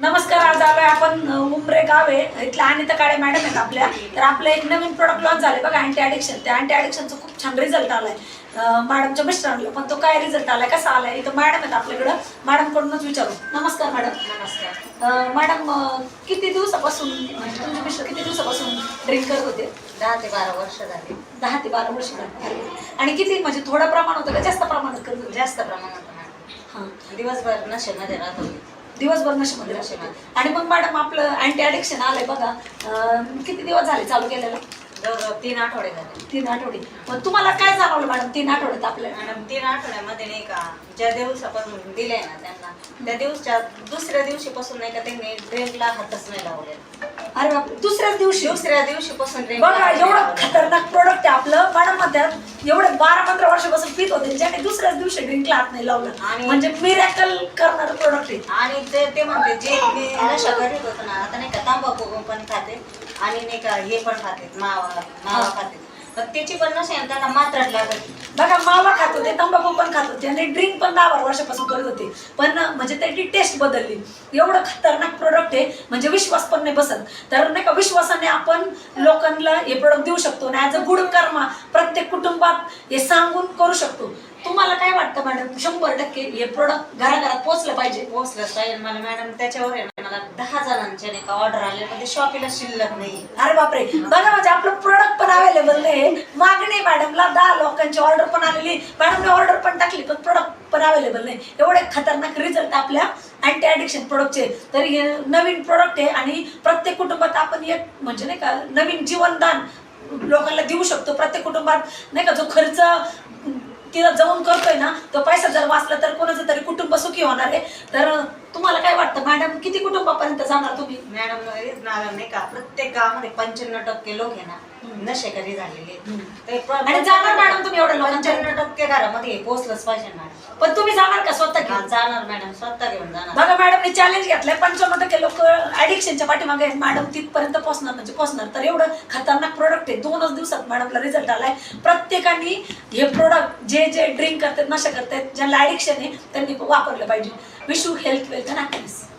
नमस्कार. आज आलोय आपण उमरे गाव आहे इथल्या अनिता काळे मॅडम आहेत आपल्या. तर आपलं एक नवीन प्रोडक्ट लॉन्च झाले बघा, अँटी ॲडिक्शन. त्या अँटी ॲडिक्शनचा खूप छान रिझल्ट आलाय मॅडमच्या मिस्टरांना. पण तो काय रिझल्ट आलाय, कसा आलाय, इथं मॅडम आहेत आपल्याकडं. मॅडमकडूनच विचारू. नमस्कार मॅडम. नमस्कार मॅडम, किती दिवसापासून म्हणजे तुमचे मिस्टर किती दिवसापासून ड्रिंक करत होते? 10 ते 12 वर्ष झाली. 10 ते 12 वर्ष झाली. आणि किती म्हणजे थोडं प्रमाण होतं का जास्त प्रमाणात करत होते? जास्त प्रमाणात हां, दिवसभर नशेमध्ये राहत होती. दिवसभर नशेमध्ये राहते. आणि मग मॅडम आपलं अँटी ॲडिक्शन आलंय बघा, किती दिवस झाले चालू केलेलं? जवळ 3 आठवडे झाले. 3 आठवडे. मग तुम्हाला काय जाणवलं मॅडम 3 आठवड्यात आपल्याला? मॅडम 3 आठवड्यामध्ये नाही का, ज्या दिवसापासून दिले ना त्यांना, त्या दिवसच्या दुसऱ्या दिवशीपासून नाही का त्यांनी ड्रिंकला हातच नाही लावले. अरे बापरे, दुसऱ्याच दिवशीपासून ड्रिंक बघा, एवढं खतरनाक प्रोडक्ट आहे आपलं. मॅडम म्हणतात एवढे 12-15 वर्षापासून पित होते, ज्याने दुसऱ्याच दिवशी ड्रिंकला हात नाही लावलं. आणि म्हणजे मिरॅकल करणारं प्रोडक्ट आहे. आणि ते म्हणते जे मी नशा करीत होतो ना, आता नाही का तंबाखू पण खाते आणि नाही का हे पण खाते, मावा खाते, पण त्याची पण नशा आहे, त्यांना मात्राच लागत. बघा, मावा खात होते, तंबाखू पण खात होते आणि ड्रिंक पण 10-12 वर्षापासून करत होते. पण म्हणजे त्याची टेस्ट बदलली. एवढं खतरनाक प्रोडक्ट आहे, म्हणजे विश्वास पण नाही बसत. तर नाही का, विश्वासाने आपण लोकांना हे प्रोडक्ट देऊ शकतो आणि ॲज अ गुड कर्मा प्रत्येक कुटुंबात हे सांगून करू शकतो. तुम्हाला काय वाटतं मॅडम, 100% हे प्रोडक्ट घराघरात पोहोचलं पाहिजे? पोहोचलंच पाहिजे. मला मॅडम त्याच्यावर आहे ना, मला 10 जणांचे नाही का ऑर्डर आले, पण ते शॉपीला शिल्लक नाही. अरे बापरे, बघा, म्हणजे आपलं प्रोडक्ट पण अवेलेबल नाही. मागणी मॅडमला 10 लोकांची ऑर्डर पण आलेली, मॅडमने ऑर्डर पण टाकली, पण प्रोडक्ट पण अवेलेबल नाही. एवढे खतरनाक रिझल्ट आपल्या अँटी ॲडिक्शन प्रोडक्टचे. तर हे नवीन प्रोडक्ट आहे आणि प्रत्येक कुटुंबात आपण एक म्हणजे नाही का नवीन जीवनदान लोकांना देऊ शकतो. प्रत्येक कुटुंबात नाही का जो खर्च तिथं जाऊन करतोय ना, तो पैसा जर वाचला तर कोणाचं तरी कुटुंब सुखी होणार आहे. तर तुम्हाला काय वाटतं मॅडम, किती कुटुंबापर्यंत जाणार तुम्ही? मॅडम नाही का, प्रत्येक गावामध्ये 95% लोक आहे ना नशेकरी झालेले. आणि जाणार मॅडम तुम्ही एवढ्या लोकांच्या? 95% घरामध्ये हे पोहोचलंच पाहिजे मॅडम. पण तुम्ही जाणार का स्वतः घेऊन? जाणार मॅडम, स्वतः घेऊन जाणार. बघा, मॅडमने चॅलेंज घेतलंय. 95% लोक ऍडिक्शनच्या पाठीमागे आहेत. मॅडम तिथपर्यंत पोहोचणार म्हणजे पोहोचणार. तर एवढं खतरनाक प्रोडक्ट आहे. 2च दिवसात मॅडमला रिझल्ट आलाय. प्रत्येकाने हे प्रोडक्ट जे ड्रिंक करतात, नशा करतात, ज्यांना ऍडिक्शन आहे, त्यांनी वापरलं पाहिजे. Wish you health, wealth and happiness.